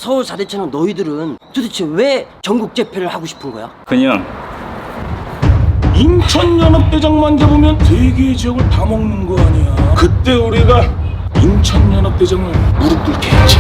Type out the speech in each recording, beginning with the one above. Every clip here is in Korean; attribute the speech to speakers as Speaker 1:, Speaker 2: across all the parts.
Speaker 1: 서울 4대천왕 너희들은 도대체 왜 전국 재패를 하고 싶은 거야?
Speaker 2: 그냥
Speaker 3: 인천연합대장만 잡으면 세 개의 지역을 다 먹는 거 아니야. 그때 우리가 인천연합대장을 무릎 꿇게 했지.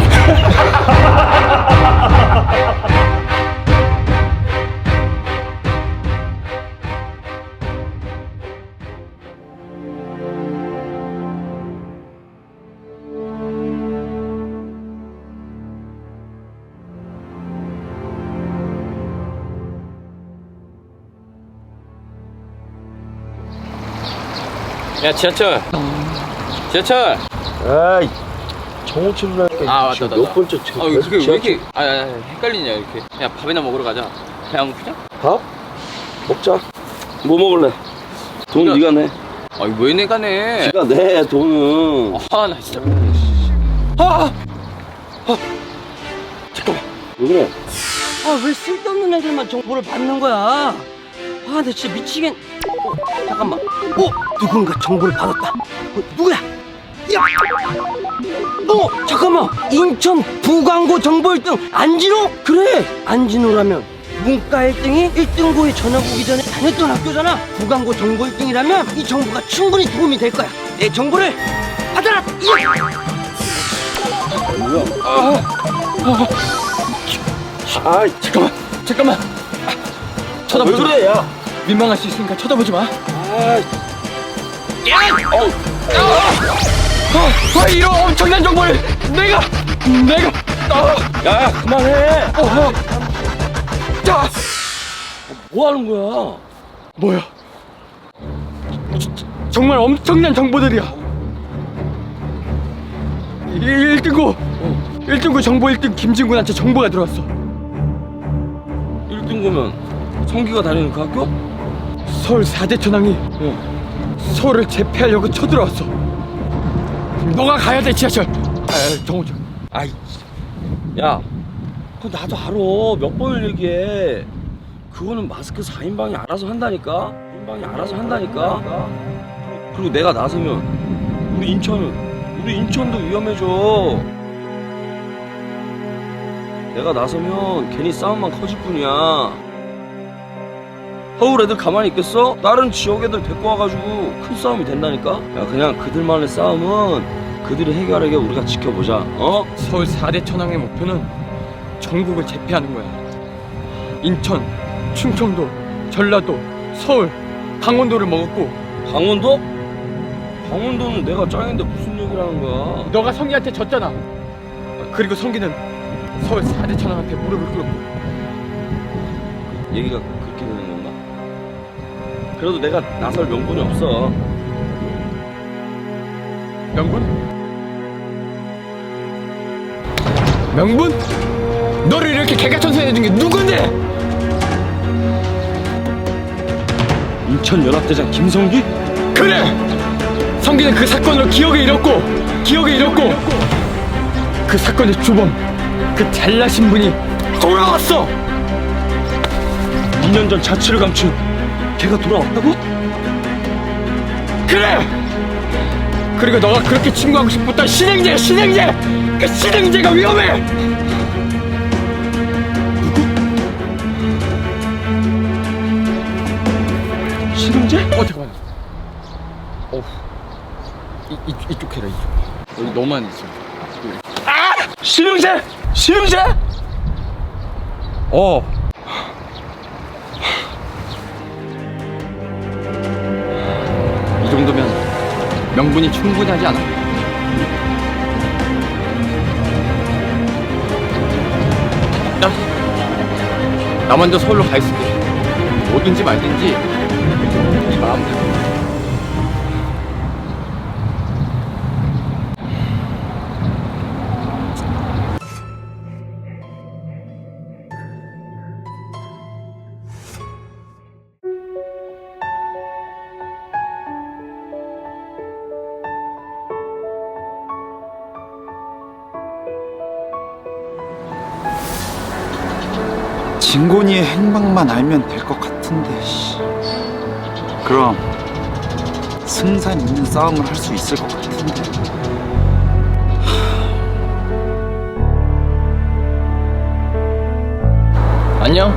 Speaker 4: 야 지하철 지하철
Speaker 3: 아이, 정오철이라
Speaker 4: 아 맞다
Speaker 3: 몇 번째
Speaker 4: 아 그게 왜 이렇게 헷갈리냐 이렇게. 야 밥이나 먹으러 가자. 배 안 고프냐?
Speaker 3: 밥? 먹자. 뭐 먹을래? 돈 네가 내.
Speaker 4: 아니 왜 내가 내?
Speaker 3: 네가 내 돈은.
Speaker 4: 아 나 진짜
Speaker 3: 잠깐만. 왜 그래?
Speaker 1: 아 왜 쓸데없는 애들만 정보를 받는 거야? 아 나 진짜 미치겠. 잠깐만. 누군가 정보를 받았다. 누구야? 야! 잠깐만. 인천 부광고 정보 1등 안진호? 그래. 안진호라면 문과 1등이 1등고에 전학 오기 전에 다녔던 학교잖아. 부광고 정보 1등이라면 이 정보가 충분히 도움이 될 거야. 내 정보를 받아라.
Speaker 3: 뭐야? 아,
Speaker 4: 잠깐만
Speaker 3: 왜 그래, 야?
Speaker 4: 민망할 수 있으니까 쳐다보지 마. 이런 엄청난 정보를 내가
Speaker 3: 야, 그만해. 뭐 하는 거야?
Speaker 4: 뭐야? 정말 엄청난 정보들이야. 1등고 정보 1등 김진군한테 정보가 들어왔어.
Speaker 3: 1등고면 성기가 다니는 그 학교?
Speaker 4: 서울 4대 천왕이 서울을 재패하려고 쳐들어왔어. 너가 가야 돼 지하철. 정호철.
Speaker 3: 아이, 야, 그거 나도 알아. 몇 번을 얘기해. 그거는 마스크 4인방이 알아서 한다니까. 4인방이 알아서 한다니까. 그리고 내가 나서면 우리 인천도 위험해져. 내가 나서면 괜히 싸움만 커질 뿐이야. 서울 애들 가만히 있겠어? 다른 지역 애들 데리고 와가지고 큰 싸움이 된다니까? 야, 그냥 그들만의 싸움은 그들이 해결하게 우리가 지켜보자. 어?
Speaker 4: 서울 4대 천왕의 목표는 전국을 재패하는 거야. 인천, 충청도, 전라도, 서울, 강원도를 먹었고.
Speaker 3: 강원도? 강원도는 내가 짱인데 무슨 얘기를 하는 거야?
Speaker 4: 너가 성기한테 졌잖아. 그리고 성기는 서울 4대 천왕한테 무릎을 꿇었고.
Speaker 3: 얘기가 그렇게 되는 건가? 그래도 내가 나설 명분이 없어.
Speaker 4: 명분? 명분? 너를 이렇게 개가천선해준 게 누군데?
Speaker 3: 인천연합대장 김성기?
Speaker 4: 그래! 성기는 그 사건으로 기억을 잃었고 그 사건의 주범, 그 잘나신 분이 돌아왔어!
Speaker 3: 2년 전 자취를 감춘 걔가 돌아왔다고?
Speaker 4: 그래! 그리고 너가 그렇게 친구하고 싶었던 신행제! 그 신행제가 위험해!
Speaker 3: 신흥재?
Speaker 4: 잠깐만. 이쪽 해라, 이쪽. 여기 너만 있어.
Speaker 3: 신흥재?
Speaker 4: 이 정도면 명분이 충분하지 않아? 나 먼저 서울로 가 있을게. 뭐든지 말든지 네 마음대로.
Speaker 2: 진곤이의 행방만 알면 될 것 같은데. 그럼 승산 있는 싸움을 할 수 있을 것 같은데.
Speaker 4: 안녕.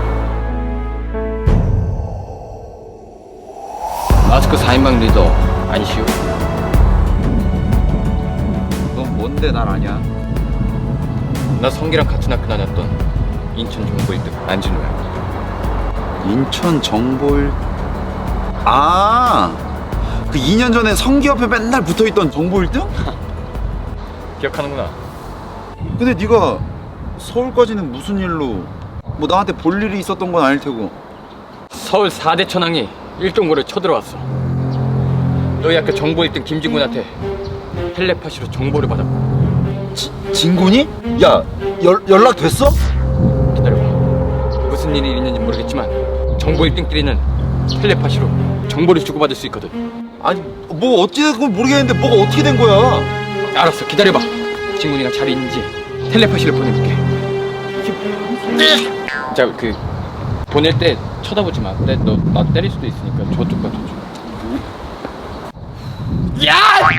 Speaker 4: 마스크 4인방 리더 안시오.
Speaker 2: 넌 뭔데 날 아냐?
Speaker 4: 나 성기랑 같은 학교 다녔던 인천 정보 1등 안진우야.
Speaker 2: 인천 정보일. 아, 그 2년 전에 성기 옆에 맨날 붙어있던 정보 1등?
Speaker 4: 기억하는구나.
Speaker 2: 근데 네가 서울까지는 무슨 일로? 뭐 나한테 볼 일이 있었던 건 아닐 테고.
Speaker 4: 서울 4대 천왕이 1동고를 쳐들어왔어. 너희 학교 정보 1등 김진군한테 텔레파시로 정보를 받았고.
Speaker 2: 진군이? 야, 연락 됐어?
Speaker 4: 기다려봐. 무슨 일이 있는지 모르겠지만 정보 1등끼리는 텔레파시로 정보를 주고받을 수 있거든.
Speaker 2: 아니, 뭐 어찌됐건 모르겠는데 뭐가 어떻게 된 거야?
Speaker 4: 알았어, 기다려봐. 진군이가 잘 있는지 텔레파시를 보내볼게. 자, 그 보낼 때 쳐다보지 마. 나 때릴 수도 있으니까 저쪽 봐, 저쪽. 야!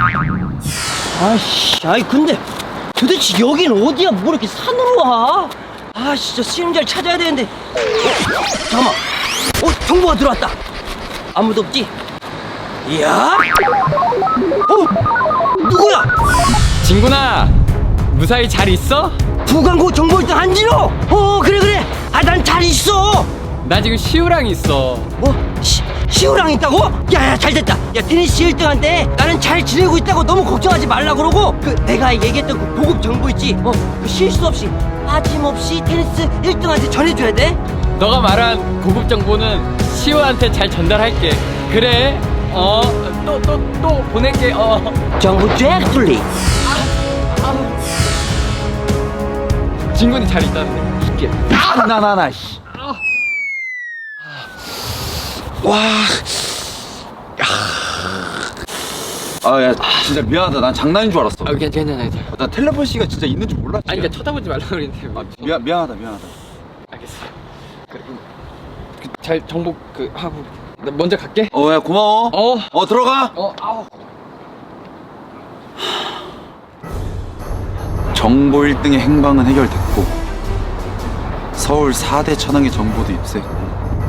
Speaker 1: 아이씨, 아이 근데 도대체 여긴 어디야? 뭐 이렇게 산으로 와? 아 진짜 수영자를 찾아야 되는데. 잠깐만. 정보가 들어왔다. 아무도 없지? 이야? 누구야?
Speaker 4: 진군아, 무사히 잘 있어?
Speaker 1: 부광고 정보 1등 안진호. 그래. 아 난 잘 있어.
Speaker 4: 나 지금 시우랑 있어.
Speaker 1: 뭐? 시우랑 있다고? 야야 잘됐다. 야 테니스 1등한테 나는 잘 지내고 있다고 너무 걱정하지 말라 그러고, 그 내가 얘기했던 그 고급 정보 있지? 그 실수 없이 빠짐없이 테니스 1등한테 전해줘야 돼.
Speaker 4: 너가 말한 고급 정보는 시우한테 잘 전달할게. 그래. 또 보낼게.
Speaker 1: 정보 잭플리.
Speaker 4: 진군이 잘 있다는데. 이게.
Speaker 2: 나 씨. 와. 아, 야, 진짜 미안하다. 난 장난인 줄 알았어.
Speaker 4: 괜찮아.
Speaker 2: 나 텔레파시가 진짜 있는 줄 몰랐지.
Speaker 4: 아니, 그러니까 쳐다보지 말라고 그랬는데.
Speaker 2: 미안하다.
Speaker 4: 알겠어. 그리고 잘 정보 하고 나 먼저 갈게.
Speaker 2: 야, 고마워. 들어가.
Speaker 4: 아우.
Speaker 2: 정보 1등의 행방은 해결됐고 서울 4대 천왕의 정보도 입수했고,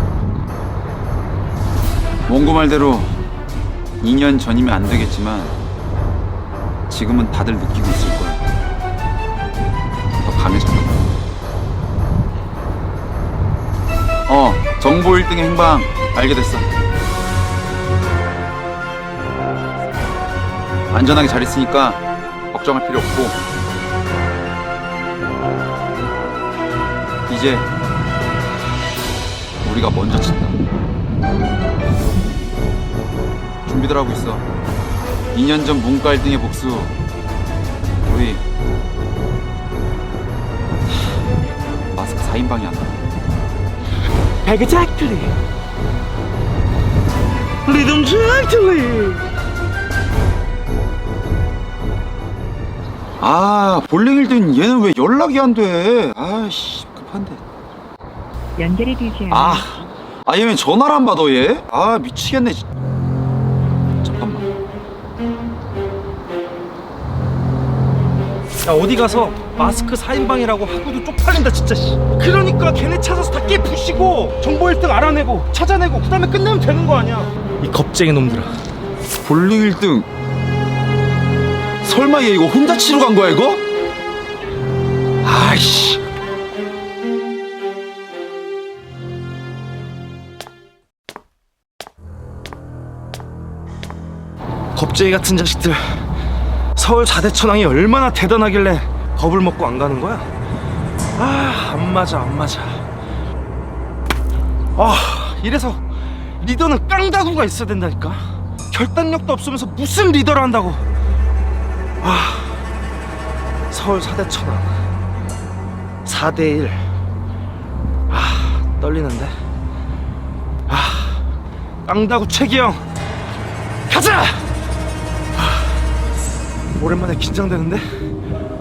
Speaker 2: 원고 말대로 2년 전이면 안 되겠지만 지금은 다들 느끼고 있을 거야. 더 강해졌다. 정보 1등의 행방 알게 됐어. 안전하게 잘 있으니까 걱정할 필요 없고, 이제 우리가 먼저 친다. 준비들 하고 있어. 2년 전 문과 1등의 복수, 우리 마스크 4인방이 안 나.
Speaker 1: Exactly. 리듬 잭틀리.
Speaker 2: 볼링 1등 얘는 왜 연락이 안 돼? 아씨, 급한데.
Speaker 5: 연결이 되지 않아.
Speaker 2: 얘 왜 전화를 안 받아 얘? 미치겠네. 잠깐만.
Speaker 6: 야 어디 가서 마스크 4인방이라고 하고도 쪽팔린다 진짜. 그러니까 걔네 찾아서 다 깨부시고 정보 1등 알아내고 찾아내고 그 다음에 끝내면 되는 거 아니야. 이 겁쟁이 놈들아.
Speaker 2: 볼링 1등 설마 얘 이거 혼자 치러 간 거야 이거? 아이씨.
Speaker 6: 겁쟁이 같은 자식들. 서울 4대 천왕이 얼마나 대단하길래 겁을 먹고 안 가는 거야? 안 맞아. 이래서 리더는 깡다구가 있어야 된다니까. 결단력도 없으면서 무슨 리더를 한다고. 서울 4대 천왕 4대 1. 떨리는데. 깡다구 최기영 가자. 오랜만에 긴장되는데.